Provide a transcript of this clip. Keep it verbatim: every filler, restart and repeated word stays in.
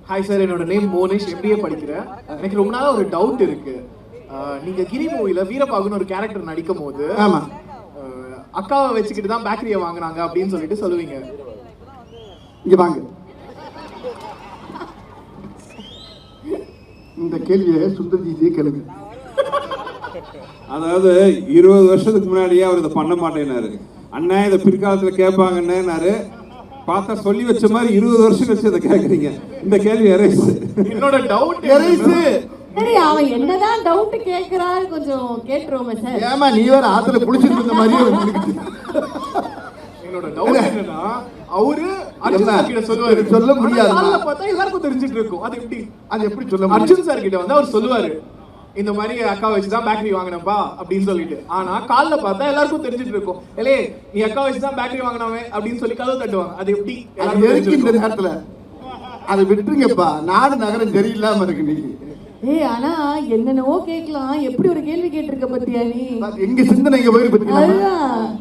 Hi sir, என்னோட name Monish, MBA படிக்கிறேன். எனக்கு ரொம்ப நாளா ஒரு டவுட் இருக்கு. நீங்க கிரி மூவில வீரபாகுன்னு ஒரு கேரக்டர் நடிக்கும் போது ஆமா அக்காவை வச்சுக்கிட்டு தான் பேக்கரியை வாங்கினாங்க அப்படின்னு சொல்லிட்டு சொல்லுவீங்க. இங்க வாங்க, இந்த கேள்வியை சுந்தர்ஜியே கேளுங்க. அதாவது இருபது வருஷத்துக்கு முன்னாடியே அவர் இதை பண்ண மாட்டேன்னாரு. அண்ணா இதை பிற்காலத்துல கேட்பாங்கன்னாரு. பார்த்தா சொல்லி வச்ச மாதிரி இருபது வருஷம் கழிச்சு இதை கேட்குறீங்க. இந்த கேள்வி எரேஸ். என்னோட டவுட் எரேஸ். சரி, அவன் என்னதான் டவுட் கேக்குறாரு, கொஞ்சம் கேட்டுருவோமே சார். ஏமா நீ வேற ஆத்துல புடிச்சிட்டு இருந்த மாதிரியே வந்துருக்கு. என்னோட டவுட் என்னன்னா, அவரு அர்ஜுன் சார் கிட்ட சொல்லுவாரு, சொல்ல முடியாது. காலைல பார்த்தா எல்லாருக்கும் தெரிஞ்சிட்டு இருக்கும். அது எப்படி அது எப்படி சொல்ல முடியும்? அர்ஜுன் சார் கிட்ட வந்து அவர் சொல்லுவாரு, இந்த மாதிரி அக்கா வச்சுதான் பேக்கரி வாங்கினப்பா அப்படின்னு சொல்லிட்டு. ஆனா காலைல பார்த்தா எல்லாருக்கும் தெரிஞ்சிட்டு இருக்கும், ஏலே நீ அக்கா வச்சுதான் பேக்கரி வாங்கினவே அப்படின்னு சொல்லி கதவு தட்டுவாங்க. அது எப்படி அது எதுக்கு இந்த நேரத்துல? அதை விட்டுருங்கப்பா, நாடு நகரம் சரியில்லாம இருக்கு நீங்க. ஏய், ஆனா என்னென்னவோ கேட்கலாம், எப்படி ஒரு கேள்வி கேட்டிருக்க பத்தியா நீ? எங்க சிந்தனை எங்க போயிரு பத்தி அதுதான்